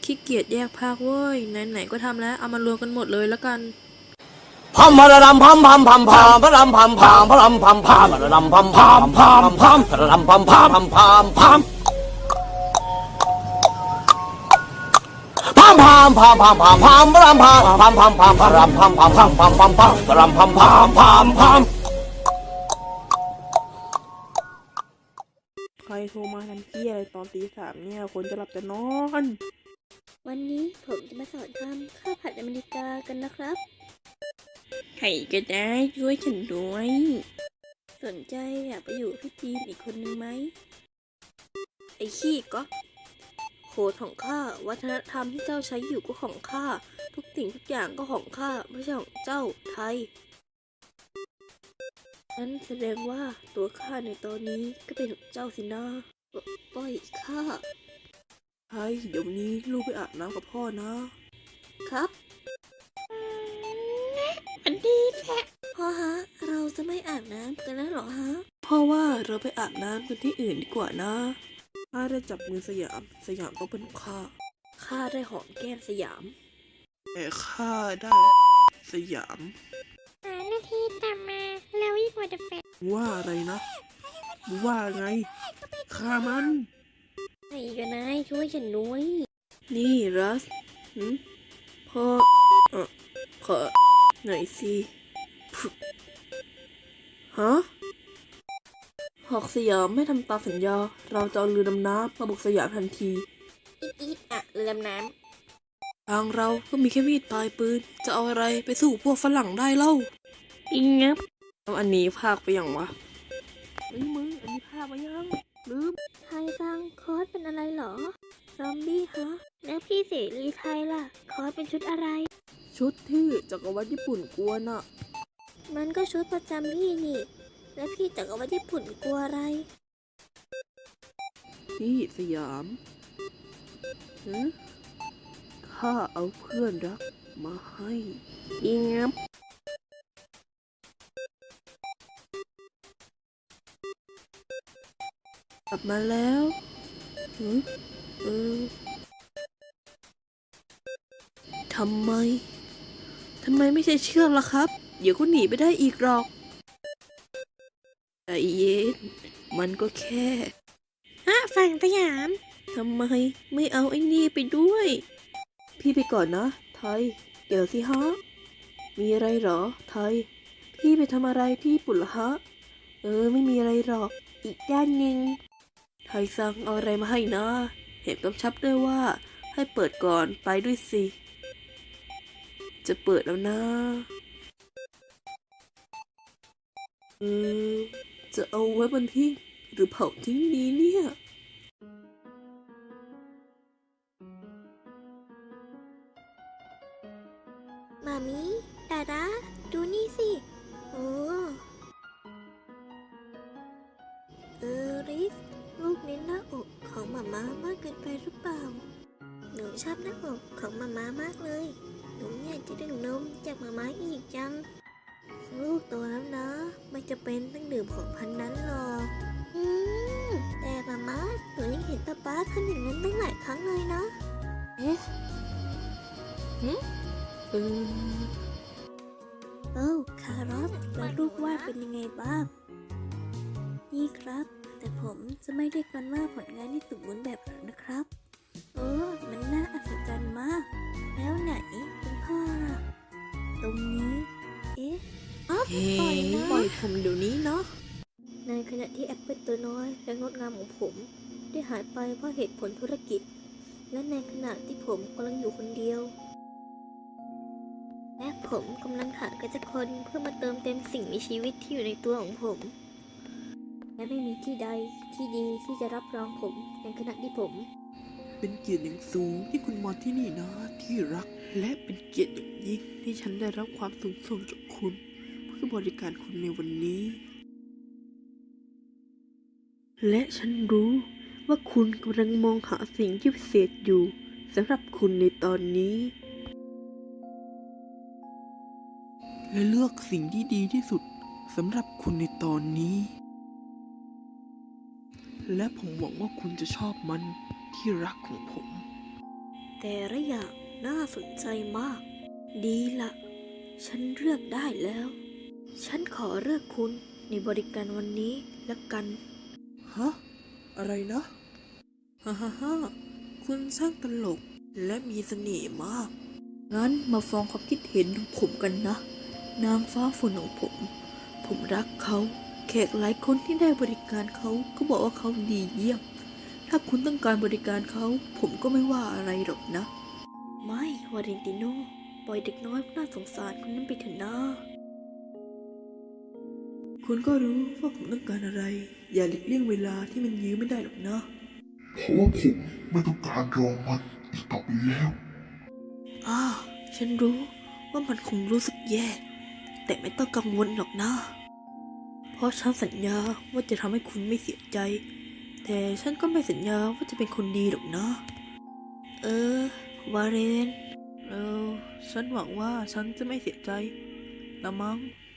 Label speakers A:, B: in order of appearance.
A: ขี้เกียจแยกภาคเว้ยไหนๆก็ทำแล้วเอามารวมกันหมดเลยแล้วกัน
B: พัมพะระดำพัมพัมพัมพัมพะระดำพัมพัมพะระดำพัมพัมพะระดำพัมพัมพัมพัมพะระดำพัมพัมพัมพัมพัมพัมพัมพัมพัมพัมพัมพะระดำพัมพัมพัมพัมพะระดำพัมพัมพัมพัมพัมพัมพะระดำพัมพัมพัมพัม
A: ใครโทรมาทันทีอะไรตอนตี 3เนี่ยคนจะหลับจะนอน
C: วันนี้ผมจะมาสอนทำข้าวผัดอเมริกากันนะครับ
A: ใครก็ได้ช่วยฉันด้วย
C: สนใจอยากไปอยู่พี่จีนอีกคนนึงไหมไอ้ขี้ก๊อกโคดของข้าวัฒนธรรมที่เจ้าใช้อยู่ก็ของข้าทุกสิ่งทุกอย่างก็ของข้าไม่ใช่ของเจ้าไทยนั้นแสดงว่าตัวข้าในตอนนี้ก็เป็นของเจ้าสินะปล่อยข้า
A: ใช่เดี๋ยวนี้ลูกไปอาบน้ำกับพ่อนะครับ
C: อันดีแท้พ่อฮะเราจะไม่อาบน้ำกันแล้วหรอฮะ
A: เพราะว่าเราไปอาบน้ำกันที่อื่นดีกว่านะข้าได้จับมือสยามต้องเป็นของ
C: ข้าได้หอมแก้มสยาม
A: แต่ข้าได้สยาม
C: นาทีต่อมาแล้วยิ่งกว่าเดฟเ
A: ว่าอะไรนะว่าไงข้ามัน
C: ไอ้กันนายช่วยฉันด้วย
A: นี่รัสพ่อขอหน่อยสิฮะหอกสยามไม่ทำตามสัญญาเราจะเอาเรือดำน้ำมาบุกสยามทันที
C: อีอะเรือดำน้
A: ทางเราก็มีแค่มีดปลายปืนจะเอาอะไรไปสู้พวกฝรั่งได้เล่างับแล้วอันนี้ภาคไปยังวะมึงอันนี้ภาคไปยังลืม
C: ไทยซังคอสเป็นอะไรเหรอซอมบี้ฮะแล้วพี่เสรีไทยล่ะคอสเป็นชุดอะไร
A: ชุดที่จักรวรรดิญี่ปุ่นกลัวน่ะ
C: มันก็ชุดประจำพี่นี่แล้วพี่จักรวรรดิญี่ปุ่นกลัวอะไร
A: พี่สยามข้าเอาเพื่อนรักมาให้งับกลับมาแล้วทำไมไม่ใช่เชือกล่ะครับเดี๋ยวก็หนีไปได้อีกหรอกใจเย็นมันก็แค่
C: ฝั่งสยาม
A: ทำไมไม่เอาไอ้นี่ไปด้วยพี่ไปก่อนนะไทยเดี๋ยวสิฮะมีอะไรหรอไทยพี่ไปทำอะไรที่ญี่ปุ่นเหรอฮะไม่มีอะไรหรอกอีกด้านหนึ่งไทยสั่งเอาอะไรมาให้นะเห็นกำชับด้วยว่าให้เปิดก่อนไปด้วยสิจะเปิดแล้วนะจะเอาไว้บนทิ้งหรือเผาทิ้งนี้เนี่ย
C: มามิดาดาดูนี่สิโอ้ริสลูกเน้นหน้าอกของหม่ามามากเกินไปหรือเปล่าหนูชอบหน้าอกของหม่ามามากเลยหนูอยากจะดื่มนมจากหม่ามาอีกจังลูกโตแล้วนะไม่จะเป็นต้องดื่มของพันนั้นหรอกแต่หม่ามาหนูยังเห็นป๊าทำอย่างนั้นตั้งหลายครั้งเลยนะโอ้คารอทแล้วลูกวาดเป็นยังไงบ้างนี่ครับแต่ผมจะไม่เรียกมันว่าผลงานที่สมบูรณ์แบบหรอกนะครับมันน่าอัศจรรย์มากแล้วไหนคุณพ่อล่ะตรงนี้
A: ปล่อยผมเดี๋ยวนี้เนาะ
C: ในขณะที่แอปเปิลตัวน้อยและงดงามของผมได้หายไปเพราะเหตุผลธุรกิจและในขณะที่ผมกำลังอยู่คนเดียวและผมกำลังหากระจักคนเพื่อมาเติมเต็มสิ่งมีชีวิตที่อยู่ในตัวของผมและไม่มีที่ใดที่ดีที่จะรับรองผมในขณะที่ผม
A: เป็นเกียรติอย่างสูงที่คุณมาที่นี่นะที่รักและเป็นเกียรติอย่างยิ่งที่ฉันได้รับความสูงส่งจากคุณเพื่อบริการคุณในวันนี้และฉันรู้ว่าคุณกำลังมองหาสิ่งที่พิเศษอยู่สำหรับคุณในตอนนี้และเลือกสิ่งที่ดีที่สุดสำหรับคุณในตอนนี้และผมหวังว่าคุณจะชอบมันที่รักของผม
C: แต่ละอย่างน่าสนใจมาก ดีละฉันเลือกได้แล้ว ฉันขอเลือกคุณในบริการวันนี้ละกัน
A: ฮะ อะไรนะ ฮ่าฮ่าฮ่าคุณช่างตลกและมีเสน่ห์มาก งั้นมาฟังความคิดเห็นของผมกันนะ นางฟ้าฝนของผม ผมรักเขา แขกหลายคนที่ได้บริการเขาก็บอกว่าเขาดีเยี่ยม ถ้าคุณต้องการบริการเขา ผมก็ไม่ว่าอะไรหรอกนะ
C: ไม่วาเลนติโนปล่อยเด็กน้อยน่าสงสารคนนั้นไปเถอะนะ
A: คุณก็รู้ว่าผมต้องการอะไร อย่าหลีกเลี่ยงเวลาที่มันยื้อไม่ได้หรอกนะ
D: เพราะว่าผมไม่ต้องการรอมันอีกต่อไปแล้ว
A: ฉันรู้ว่ามันคงรู้สึกแย่ แต่ไม่ต้องกังวลหรอกนะ เพราะฉันสัญญาว่าจะทำให้คุณไม่เสียใจ แต่ฉันก็ไม่สัญญาว่าจะเป็นคนดีหรอกนะ
C: วาเลน
A: ฉันหวังว่าฉันจะไม่เสียใจละมั้ง